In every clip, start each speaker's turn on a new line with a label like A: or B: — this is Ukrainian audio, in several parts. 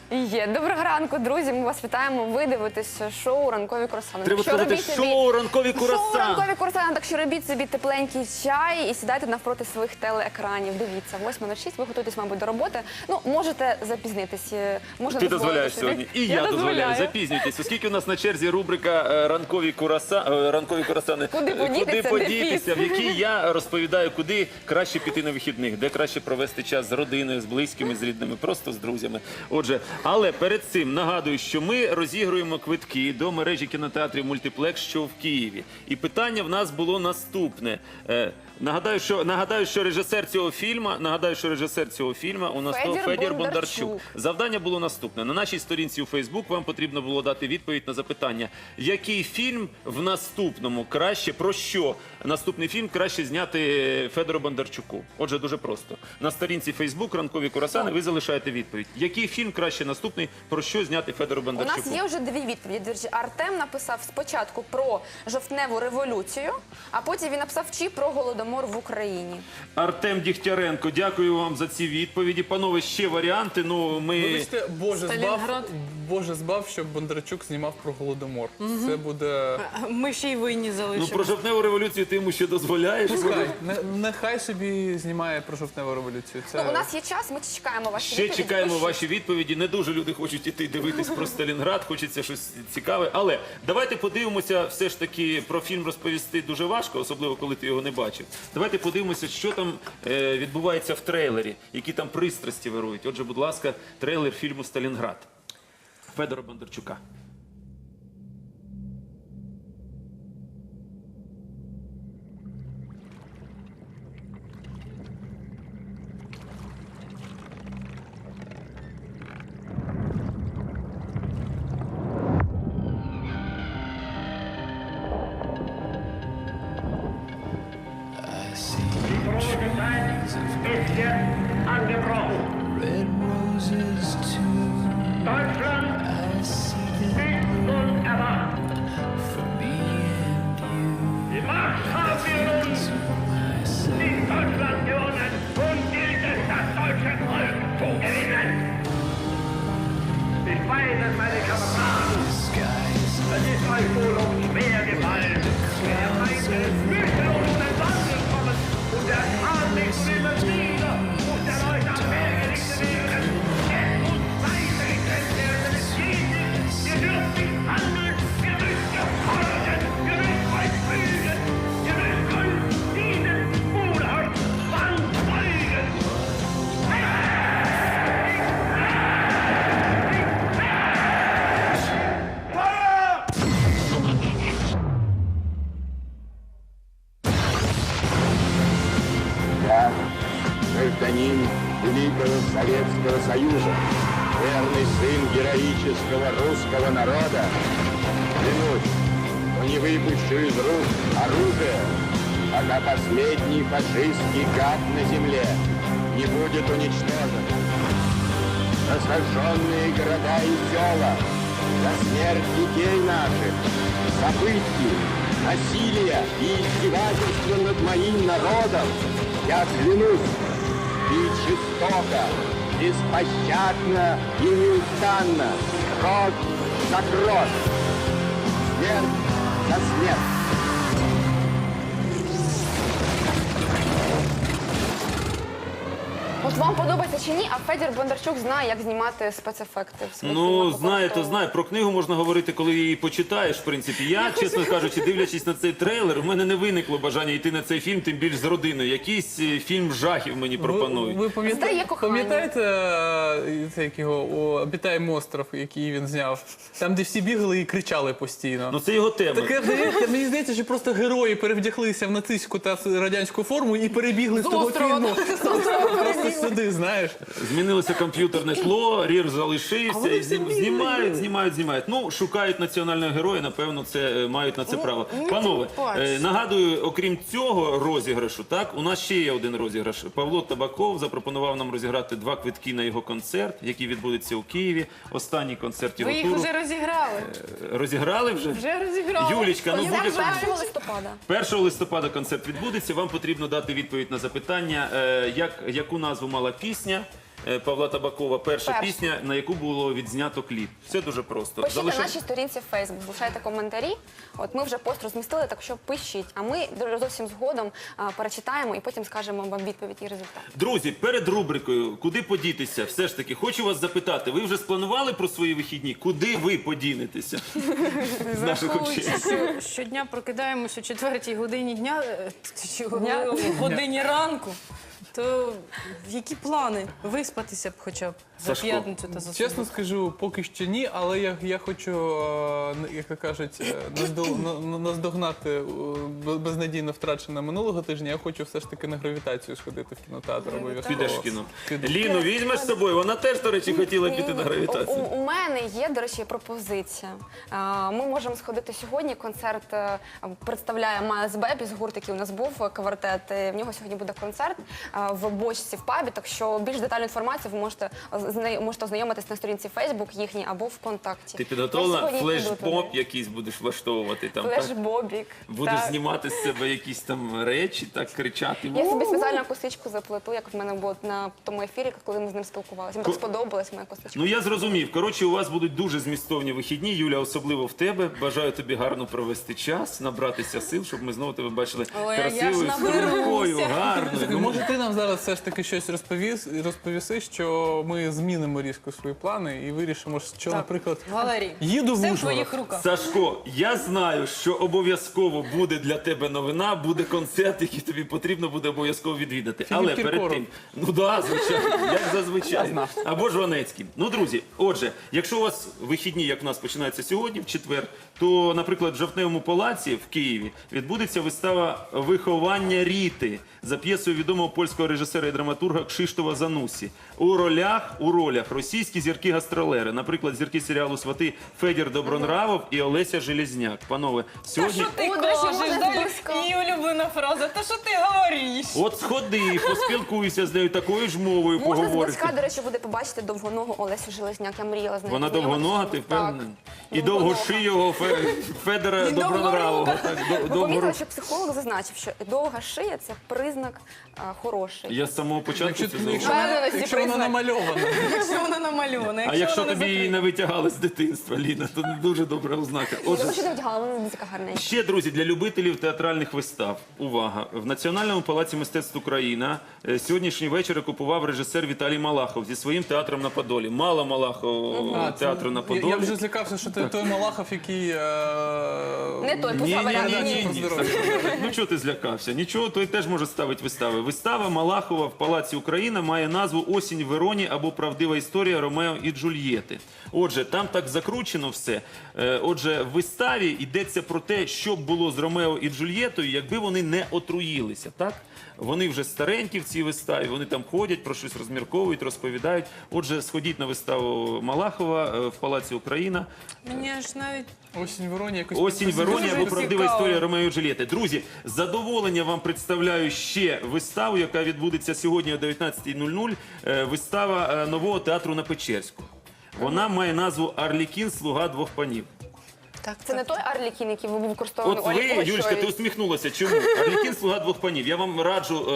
A: Є. Доброго ранку, друзі. Ми вас вітаємо. Ви дивитесь шоу «Ранкові курасани».
B: Треба сказати шоу «Ранкові курасани».
A: Шоу «Ранкові курасани». Так що робіть собі тепленький чай і сідайте навпроти своїх телеекранів. Дивіться, 8:06, ви готуєтесь, мабуть, до роботи. Ну, можете запізнитись.
B: Ти дозволяєш сьогодні. І я дозволяю. Запізнюйтесь. Оскільки у нас на черзі рубрика «Ранкові курасани».
A: Куди
B: подітися, в якій я розповідаю, куди краще піти на вихідних, де краще провести час з родиною, з близькими, з рідними, просто з друзями. Отже, але перед цим нагадую, що ми розігруємо квитки до мережі кінотеатрів «Мультиплекс», що в Києві. І питання в нас було наступне. Нагадаю, що режисер цього фільму у нас Федір Бондарчук. Завдання було наступне. На нашій сторінці у Фейсбук вам потрібно було дати відповідь на запитання, який фільм в наступному краще, про що наступний фільм краще зняти Федору Бондарчуку. Отже, дуже просто. На сторінці Фейсбук «Ранкові курасани» ви залишаєте відповідь. Який фільм краще наступний, про що зняти Федору Бондарчуку?
A: У нас є вже дві відповіді. Артем написав спочатку про жовтневу революцію, а потім він написав про Голодомор в Україні.
B: Артем Дігтяренко, дякую вам за ці відповіді. Панове, ще варіанти.
C: Вибачте, Боже збав, щоб Бондарчук знімав про Голодомор. Це буде...
D: Ми ще й винні залишимо.
B: Про жовтневу революцію ти йому ще дозволяєш?
C: Нехай собі знімає про жовтневу революцію.
A: У нас є час, ми чекаємо ваші відповіді.
B: Ще чекаємо ваші відповіді. Не дуже люди хочуть іти дивитись про Сталінград, хочеться щось цікаве. Але давайте подивимося, все ж таки про фільм розповісти дуже важко, особливо коли ти його не бачив. Давайте подивимося, що там відбувається в трейлері, які там пристрасті вирують. Отже, будь ласка, трейлер фільму «Сталінград» Федора Бондарчука.
E: Deutschland ist unerwacht. Die Macht haben wir uns in Deutschland gewonnen und gilt es, das deutsche Volk zu gewinnen. Ich weiß es, meine Kameraden, es ist euch wohl auch schwer gefallen. Der Feind ist mühelos in den Wand gekommen und der Schaden immer wieder muss der Leute am Meer gerichtet werden. Es muss weitergekämpft werden, es geht nicht. Ihr dürft nicht handeln, ihr müsst gefordert, ihr müsst euch fühlen, ihr müsst euch dienen, Bruder, Mann, folgen.
F: Я, гражданин Великого Советского Союза, верный сын героического русского народа, клянусь, что не выпущу из рук оружие, пока последний фашистский гад на земле не будет уничтожен. За сожженные города и села, за смерть детей наших, за пытки, насилие и издевательство над моим народом, я клянусь бить жестоко, беспощадно и неустанно, кровь за кровь, смерть за смерть.
A: От вам подобається чи ні, а Федір Бондарчук знає, як знімати спецефекти в своїх
B: Ну,
A: фільмах.
B: знає, то знає. Про книгу можна говорити, коли її почитаєш, в принципі. Я, чесно кажучи, дивлячись на цей трейлер, у мене не виникло бажання йти на цей фільм, тим більш з родиною. Якийсь фільм жахів мені пропонують.
C: Ви
A: Здає кохання.
C: пам'ятаєте це, як його, «Обітаємо остров», який він зняв? Там, де всі бігали і кричали постійно.
B: Ну, це його тема.
C: Таке, здається, мені здається, що просто герої перевдяглися в нацистську та радянську форму і перебігли з того фільму просто сюди, знаєш.
B: Змінилося комп'ютерне тло, рір залишився, і знімають. Ну, шукають національного героя, напевно, мають на це право. Панове, нагадую, окрім цього розіграшу, так, у нас ще є один розіграш. Павло Табаков запропонував нам розіграти 2 квитки на його концерт, який відбудеться у Києві. Останній концерт його
D: Ви
B: туру.
D: їх вже розіграли.
B: Розіграли вже?
D: Вже розіграли.
B: Юлічка, ну
A: Це
B: буде
A: 1 листопада.
B: 1 листопада концерт відбудеться. Вам потрібно дати відповідь на запитання, яку назву мала пісня, Павла Табакова. Перша
A: Перша.
B: пісня, на яку було відзнято кліп. Все дуже просто.
A: Пишіть на нашій сторінці в Facebook, залишайте коментарі. От ми вже пост розмістили, так що пишіть. А ми зовсім згодом перечитаємо і потім скажемо вам відповідь і результат.
B: Друзі, перед рубрикою «Куди подітися?» все ж таки хочу вас запитати, ви вже спланували про свої вихідні? Куди ви подінетеся? З наших очей.
D: Враховуючи, що щодня прокидаємось о 4-й годині дня, чи о годині ранку, то які плани? Виспатися б хоча б за
B: Сашко,
D: п'ятницю та за
C: Чесно
D: суботу.
C: скажу, поки що ні, але я хочу, як то кажуть, наздогнати безнадійно втрачене минулого тижня. Я хочу все ж таки на гравітацію сходити в кінотеатр обов'язково.
B: Підеш в кіно.
C: Піду.
B: Ліну візьмеш з собою? Вона теж, до речі, хотіла піти на гравітацію.
A: У мене є, до речі, пропозиція. Ми можемо сходити сьогодні. Концерт представляє Майлз Бебіс, гурт, який у нас був, квартет. В нього сьогодні буде концерт в бочці в пабі, так що більш детальну інформацію ви можете ознайомитись на сторінці Facebook їхній або ВКонтакті.
B: Ти підготовила
A: Я сьогодні піду
B: флешмоб
A: туди.
B: якийсь будеш влаштовувати там, так?
A: Флешбобік.
B: Будеш
A: так.
B: знімати з себе якісь там речі, так кричати.
A: Я собі спеціально косичку заплету, як в мене було на тому ефірі, коли ми з ним спілкувалися. Мені так сподобалась моя косичка.
B: Ну я зрозумів. Коротше, у вас будуть дуже змістовні вихідні. Юля, особливо в тебе. Бажаю тобі гарно провести час, набратися сил, щоб ми знову тебе бачили
D: Ой, а я ж
B: красивою,
D: наберуся.
B: стрункою, гарною.
C: Слухай, може ти нам зараз все ж таки щось розповіси, що ми змінимо різко свої плани і вирішимо, що, наприклад,
D: Валерій,
C: їду в
D: все в
C: Ужгород.
D: твоїх руках.
B: Сашко, я знаю, що обов'язково буде для тебе новина, буде концерт, який тобі потрібно буде обов'язково відвідати. Але перед
C: Кіркоров.
B: тим, ну да, звичайно, як зазвичай. Або ж Ванецький. Ну, друзі, отже, якщо у вас вихідні, як у нас починаються сьогодні, в четвер, то, наприклад, в Жовтневому палаці в Києві відбудеться вистава «Виховання Ріти» за п'єсою відомого польського режисера і драматурга Кшиштофа Занусі. У ролях російські зірки-гастролери, наприклад, зірки серіалу «Свати» Федір Добронравов і Олеся Железняк. Панове, сьогодні...
D: Що ти
A: О, до речі,
D: кажеш?
A: можна
D: Далі
A: зблизька.
D: її улюблена фраза. Та що ти говориш?
B: От сходи, поспілкуйся з нею такою ж мовою,
A: Можна
B: поговорити.
A: зблизька, до речі, буде побачити довгоногу Олесю Железняк. Я мріяла з нею.
B: Вона довгонога, ти впевнений?
A: Так.
B: І довгошийого Федора Добронравова. Так,
A: Ви помітили,
B: довго-
A: що психолог зазначив, що довга шия – це признак хороший.
B: Я з самого початку
C: Якщо,
B: це
C: якщо,
B: зауважив.
C: вона,
D: Впевненості
C: якщо вона
D: признак.
C: намальована.
D: Якщо вона намальована,
B: А якщо
D: вона не
B: тобі її не
D: закрита.
B: витягали з дитинства, Ліна, то не дуже добра ознака. Отже,
A: Я ще не вдягала, вона така гарненька.
B: ще, друзі, для любителів театральних вистав. Увага! В Національному палаці мистецтв Україна сьогоднішній вечір окупував режисер Віталій Малахов зі своїм театром на Подолі. Мало Малахов театру на Подолі.
C: Я вже злякався, що ти той Малахов, який...
A: Не той, поза варіант.
B: Ні. Ну чого ти злякався? Нічого, той теж може ставити вистави. Вистава Малахова в Палаці Україна має назву «Осінь в Вероні» або «Правдива історія Ромео і Джульєти». Отже, там так закручено все. Отже, в виставі йдеться про те, що б було з Ромео і Джульєтою, якби вони не отруїлися, так? Вони вже старенькі в цій виставі, вони там ходять, про щось розмірковують, розповідають. Отже, сходіть на виставу Малахова в Палаці Україна.
D: Мені аж навіть
C: Осінь в Вероні якось...
B: «Осінь в Вероні»
D: Дуже
B: або «Правдива
D: цікаво.
B: історія Ромео і Джульєти». Друзі, з задоволенням вам представляю ще виставу, яка відбудеться сьогодні о 19:00. Вистава нового театру на Печерську. Вона має назву «Арлікін. Слуга двох панів».
A: Це не той Арлікін, який був використований
B: От
A: у
B: ви,
A: Олі
B: Юлечка, ти
A: Пугачовій.
B: усміхнулася. Чому? «Арлікін. Слуга двох панів». Я вам раджу,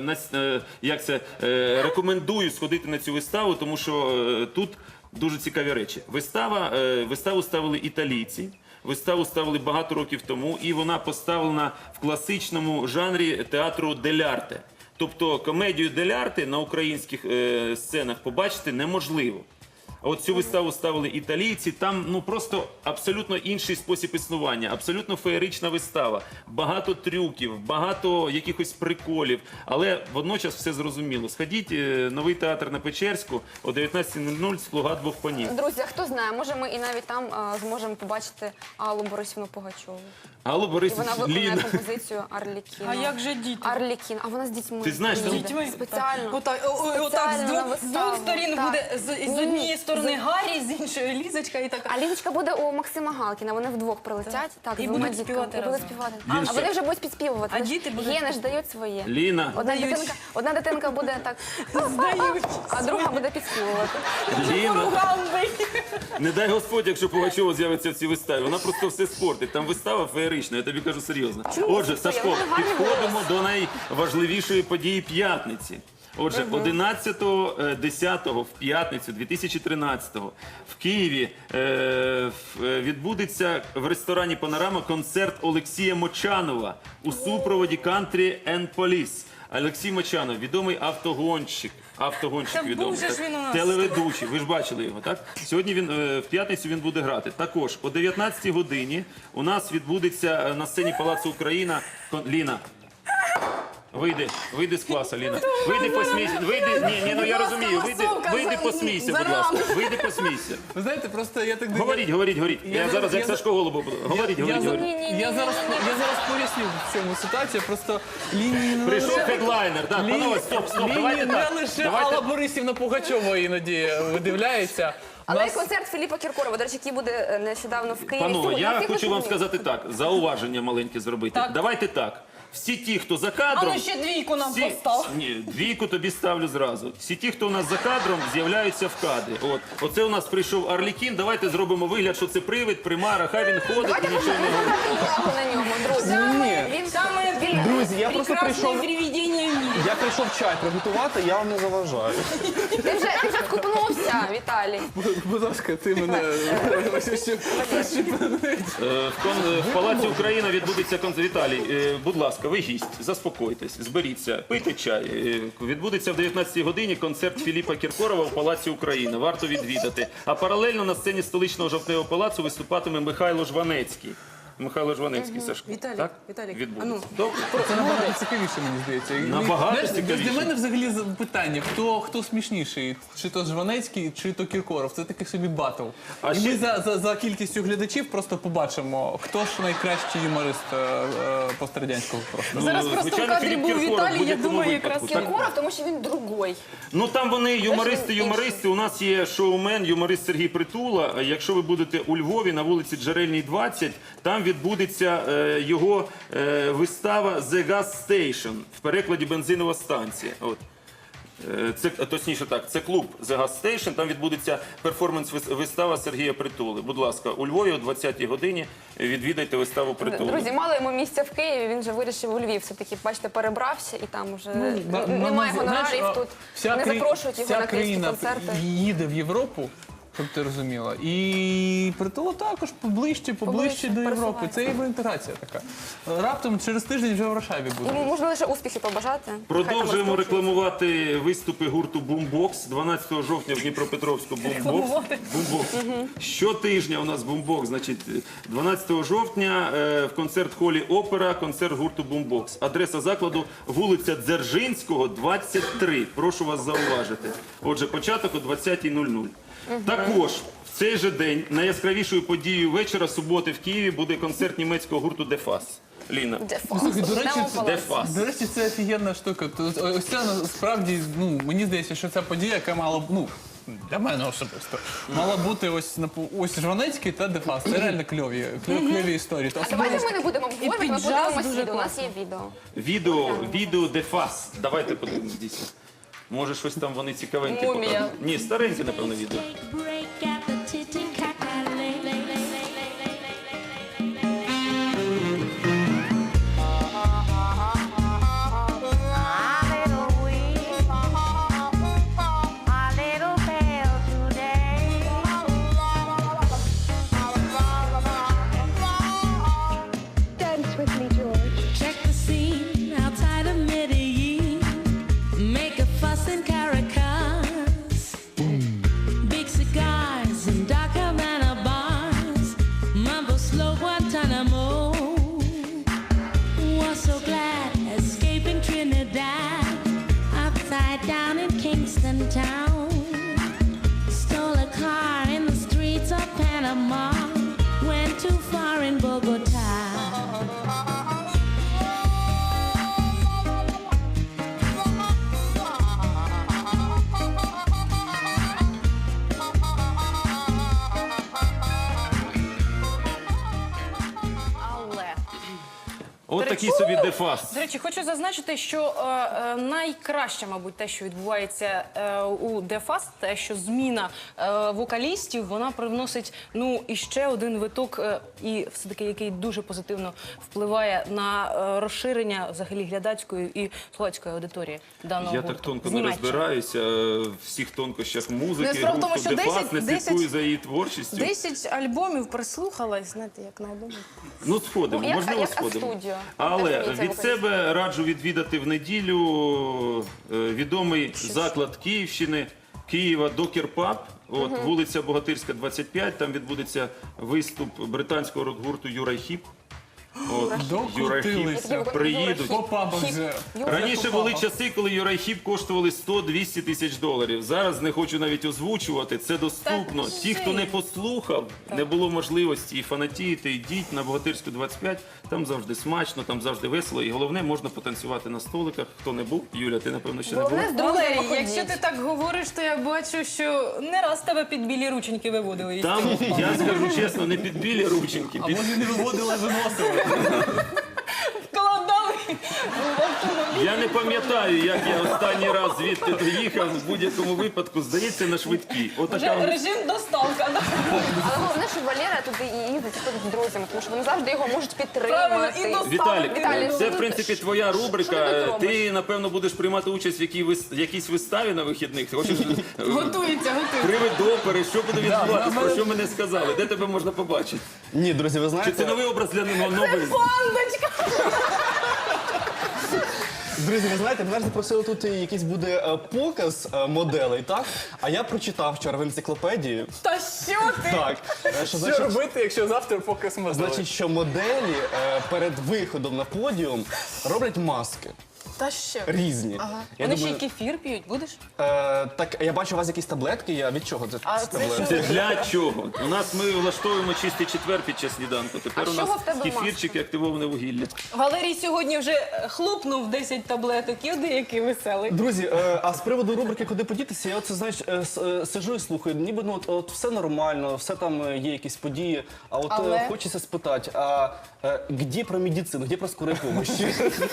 B: рекомендую сходити на цю виставу, тому що тут дуже цікаві речі. Виставу ставили італійці. Виставу ставили багато років тому, і вона поставлена в класичному жанрі театру дель-арте. Тобто комедію дель-арте на українських сценах побачити неможливо. А от цю виставу ставили італійці, там ну просто абсолютно інший спосіб існування, абсолютно феєрична вистава, багато трюків, багато якихось приколів, але водночас все зрозуміло. Сходіть, новий театр на Печерську о 19:00, «Слуга двох панів».
A: Друзі, а хто знає, може ми і навіть там зможемо побачити Аллу Борисівну Пугачову.
B: Алло,
A: І
B: Борис,
A: вона виконує
B: Ліна.
A: композицію Арлікіна.
D: А як же діти?
A: Арлікін, а вона з дітьми.
B: Ти знаєш,
A: їде.
B: з
D: дітьми?
A: Спеціально.
D: Отак
A: Спеціально на
D: з
A: виставу.
D: двох сторін
A: Так.
D: буде з однієї сторони Гаррі, з іншої Лізочка і така.
A: А Лізочка буде у Максима Галкіна, вони вдвох прилетять. Так,
D: І
A: з двома
D: будуть
A: дітками.
D: співати
A: І будуть
D: разом.
A: співати.
B: Ліночка.
A: А вони вже будуть підспівувати.
D: А
A: Вони ж
D: діти будуть-
A: Гени ж дають своє.
B: Ліна,
A: Одна дитинка буде так,
D: Здають.
A: а друга буде підспівувати.
B: Ліна.
D: Ганбий.
B: Не дай Господь, якщо Пугачова з'явиться в цій виставі. Вона просто все спортить. Там вистава феєрична, я тобі кажу серйозно. Отже,
A: це?
B: Сашко,
A: Вона гарний
B: підходимо до найважливішої події п'ятниці. Отже, 11.10 в п'ятницю 2013-го в Києві відбудеться в ресторані «Панорама» концерт Олексія Мочанова у супроводі «Country and Police». Олексій Мочанов, відомий автогонщик. Автогонщик
D: Та
B: відомий.
D: був же ж він у нас.
B: Телеведучий. Ви ж бачили його, так? Сьогодні він в п'ятницю він буде грати. Також о 19-й годині у нас відбудеться на сцені Палацу Україна Ліна. Вийди з класу, Ліна. Вийди посмійся. Ні, ну я розумію. Вийди посмійся, будь ласка. Вийди посмійся.
C: Ви знаєте, просто я так
B: Говоріть. Я зараз як Сашко Голубов буду. Говоріть.
C: Я зараз поясню, в чому ситуація. Просто лінії не
B: Прийшов
C: лише...
B: хедлайнер. Так, панове, стоп, давайте
C: Лінії не
B: так.
C: лише Алла Борисівна Пугачова іноді видивляється.
A: Але
C: Нас-
A: і концерт Філіпа Кіркорова, до речі, який буде нещодавно в Києві.
B: Панове,
A: Сьогодні.
B: я
A: Всіх
B: хочу вам
A: розумію.
B: сказати так, зауваження маленьке зробити.
D: Так.
B: Давайте так. Всі ті, хто за кадром...
D: А ну ще двійку нам постав.
B: Ні, двійку тобі ставлю зразу. Всі ті, хто у нас за кадром, з'являються в кадрі. Оце у нас прийшов Арлікін, давайте зробимо вигляд, що це привид, примара, хай він ходить
A: Давайте
B: і нічого не говорить.
A: увагу на ньому, друзі.
C: Ні.
A: Він
D: Саме
G: Друзі, я просто
D: прекрасне
G: прийшов.
D: привідіння в мірі.
G: Я прийшов чай приготувати, я вам не заважаю.
A: Ти вже скупнувся, Віталій.
C: Будь ласка, ти мене...
B: В Палаці Україна відбудеться концерт. Віталій, будь ласка, ви гість, заспокойтесь, зберіться, пийте чай. Відбудеться в 19-й годині концерт Філіпа Кіркорова в Палаці Україна. Варто відвідати. А паралельно на сцені столичного жовтневого палацу виступатиме Михайло Жванецький. Михайло Жванецький, Сашко.
D: Віталій,
B: Так?
D: Віталій,
B: Відбудеться.
D: а ну.
B: Добре.
C: Це набагато цікавіше, мені здається.
B: Набагато
C: Знаєш,
B: цікавіше.
C: Для мене взагалі питання, хто смішніший? Чи то Жванецький, чи то Кіркоров? Це такий собі батл.
B: А
C: І
B: ще-
C: ми за кількістю глядачів просто побачимо, хто ж найкращий юморист пострадянського простору.
D: Зараз просто в
B: звичайно,
D: кадрі
B: Філіп
D: був
B: Кіркоров в
D: Віталій, я
B: будь-якому
D: думаю,
B: випадку.
D: якраз
B: Так,
A: Кіркоров, тому що він другой.
B: Ну там вони юмористи. У нас є шоумен, юморист Сергій Притула. Якщо ви будете у Львові на вулиці Джерельній, 20, там відбудеться його вистава «The Gas Station», в перекладі «Бензинова станція». От. Це, точніше так, це клуб «The Gas Station», там відбудеться перформанс-вистава Сергія Притули. Будь ласка, у Львові о 20-й годині відвідайте виставу Притули.
A: Друзі, мало йому місця в Києві, він вже вирішив у Львів. Все-таки, бачите, перебрався і там вже немає гонорарів тут. Не запрошують його на київські концерти.
C: Їде в Європу, щоб ти розуміла. І Притула також поближче до Європи.
A: пересувається.
C: Це євроінтеграція така. Раптом через тиждень вже в Варшаві буде.
A: Йому можна лише успіхи побажати.
B: Продовжуємо
A: Хай там
B: рекламувати виступи гурту Бумбокс. 12 жовтня в Дніпропетровську Бумбокс. Щотижня у нас Бумбокс. Значить, 12 жовтня в концерт-холі Опера концерт гурту Бумбокс. Адреса закладу вулиця Дзержинського, 23. Прошу вас зауважити. Отже, початок о 20:00. Також в цей же день найяскравішою подією вечора суботи в Києві буде концерт німецького гурту Дефас. Ліна.
C: Слухай, до речі,
A: Йдемо в палац.
B: Дефас.
C: До речі, це офігенна штука. Ось це насправді, мені здається, що ця подія, яка мала б, для мене особисто, мала бути ось Жванецький та Дефас. Це реально кльові історії.
A: А давайте ми не будемо обговорювати, ми
D: піджаз
A: подивимось
D: дуже
A: відео. У нас є відео.
B: Відео Дефас. Давайте подивимось дійсно. Може, щось там вони цікавеньке
D: Мумія.
B: покажуть. Ні, стареньке, напевно, відео.
H: Break at the Titicaca.
I: Dance with me, George.
H: Check the scene outside of Medellin. Make a fuss in Caracas. Big cigars and dark Havana bars. Mambo slow Guantanamo. Was so glad escaping Trinidad. Upside down in Kingston town. Stole a car in the streets of Panama. Went too far in Bogota.
B: От такий собі дефас.
D: До речі, хочу зазначити, що найкраще, мабуть, те, що відбувається у Дефаст, те, що зміна вокалістів, вона привносить іще один виток, і все-таки який дуже позитивно впливає на розширення взагалі глядацької і слухацької аудиторії даного
B: Я
D: гурту.
B: так тонко не
D: Знімальця.
B: розбираюся в всіх тонкощах музики,
D: Справа в тому,
B: гурту
D: що
B: Дефас, не
D: 10
B: слідкую за її творчістю.
D: 10 альбомів прислухалась, знаєте, як на одному.
B: Ну, сходимо,
A: Ну, як-
B: можливо,
A: як
B: сходимо.
A: студію.
B: Але
A: Теж мені це
B: від
A: вокаліст.
B: себе раджу відвідати в неділю відомий заклад Київщини, Києва Докер Паб. От, вулиця Богатирська, 25, там відбудеться виступ британського рок-гурту Юрай Хіп. От, Юрай Хіп
C: Докрутилися.
B: приїдуть.
C: По пабах вже.
B: Раніше були часи, коли Юрай Хіп коштували 100-200 тисяч доларів. Зараз не хочу навіть озвучувати, це доступно. Ті, хто не послухав, не було можливості і фанатіти, йдіть на Богатирську 25, там завжди смачно, там завжди весело. І головне, можна потанцювати на столиках. Хто не був, Юля, ти напевно ще не був.
A: Головне з друзями
D: Валерій, якщо
A: ходіть.
D: ти так говориш, то я бачу, що не раз тебе під білі рученьки виводили.
B: Там, я скажу чесно, не під білі рученьки,
C: А
B: під...
C: може не виводили, виносили.
D: Вкладали в автомобіль.
B: Я не пам'ятаю, як я останній раз звідти доїхав, в будь-якому випадку, здається, на швидкій. Отака
D: Вже режим доставка. Да?
A: Але головне, що Валера туди і їздить з друзями, тому що вони завжди його можуть
D: Правильно, і
A: підтримати.
B: Віталік,
A: Віталій,
B: це в
A: ну,
B: принципі твоя
A: що ти
B: рубрика.
A: тут
B: Ти, напевно, будеш приймати участь в якійсь виставі на вихідних. Ти хочеш
D: Готується.
B: привид до опери, що буде відбуватися, про що ми не сказали, де тебе можна побачити?
G: Ні, друзі, ви
B: Чи це
G: знаєте,
B: новий образ для новий?
G: друзі, ви знаєте, мене ж запросили тут якийсь буде показ моделей, так? А я прочитав вчора в енциклопедії.
D: Та що ти?
G: Так, що
C: Що
G: значить,
C: робити, якщо завтра показ моделей?
G: значить, що моделі перед виходом на подіум роблять маски
D: Та що?
G: різні. Я
D: Вони ще й
G: думаю,
D: кефір п'ють, будеш?
G: так, я бачу у вас якісь таблетки, я від чого це
D: А
G: ці
D: це
G: таблетки?
B: Це для чого? У нас ми влаштовуємо чистий четвер під час сніданку. Тепер
A: А
B: у
A: з
B: нас
A: чого в тебе
B: кефірчик і активоване вугілля.
D: Валерій сьогодні вже хлопнув 10 таблеток. Іди, який веселий.
G: Друзі, а з приводу рубрики «Куди подітися», я оце, знаєш, сижу і слухаю, ніби от все нормально, все там є якісь події, а от
D: Але?
G: хочеться спитати, а де про медицину, де про скорої помощі?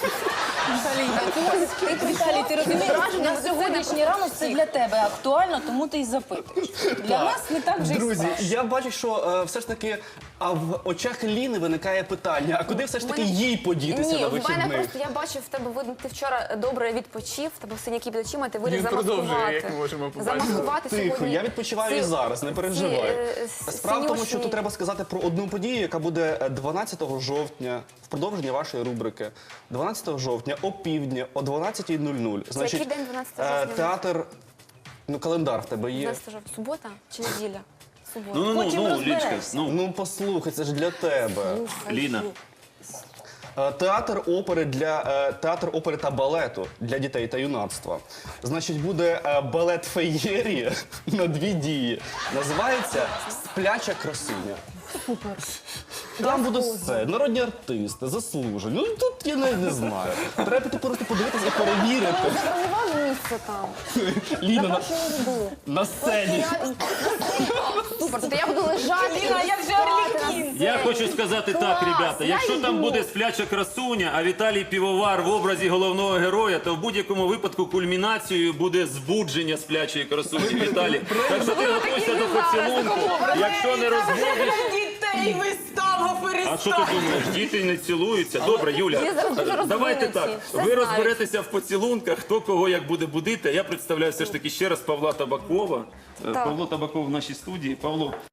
J: Віталій, ти розумієш, на сьогоднішній ранок це для тебе актуально, тому ти й запитуєш. Для нас не так вже й
G: Друзі,
J: страшно.
G: я бачу, що все ж таки, а в очах Ліни виникає питання, а куди все ж таки їй подітися
A: Ні,
G: на
A: в мене
G: вихідних?
A: просто, я бачу, в тебе видно, ти вчора добре відпочив, в тебе синяки під очима, ти вирішив
C: Він продовжує,
A: замаскувати.
C: як ми можемо побачити.
A: Замаскувати
G: Тихо,
A: сьогодні.
G: я відпочиваю і
A: ці-
G: зараз, не
A: ці,
G: переживай.
A: е,
G: Справа в тому, що
A: синюшні-
G: тут треба сказати про одну подію, яка буде 12 жовтня, в продовження вашої рубрики. 12 жовтня о півдні, о 12:00.
A: який день 12 жовтня?
G: Театр, календар в тебе є.
A: 12 жовтня. Субота чи неділя? Субота.
B: Ну,
J: Потім
B: Лічка,
J: розберешся.
G: Ну послухай, це ж для тебе.
B: Ліна.
G: Театр опери та балету для дітей та юнацтва. Значить, буде балет феєрія на 2 дії. Називається «Спляча красуня». Супер. Там будуть все, народні артисти, заслужені. Ну тут я навіть не знаю. Треба піти просто подивитися і перевірити.
A: Забронював місце там.
G: Ліна на сцені.
A: Супер, тобто я буду лежати.
D: Ліна,
A: і
D: як же
A: спати
D: Орлікін?
A: на
B: Я
A: сцені.
B: хочу сказати
A: Клас,
B: так, ребята.
A: я
B: Якщо там
A: йду.
B: буде спляча красуня, а Віталій Півовар в образі головного героя, то в будь-якому випадку кульмінацією буде збудження сплячої красуні. Віталій. Так що ти готуйся до поцілунку. Якщо не розводиш.
D: Дітей вистава
B: А що ти думаєш? Діти не цілуються? Добре, Юля,
A: Вони зараз дуже
B: давайте
A: розвинуті,
B: так.
A: все
B: Ви
A: знають.
B: розберетеся в поцілунках, хто кого як буде будити. А я представляю все ж таки ще раз Павла Табакова. Павло Табаков в нашій студії. Павло,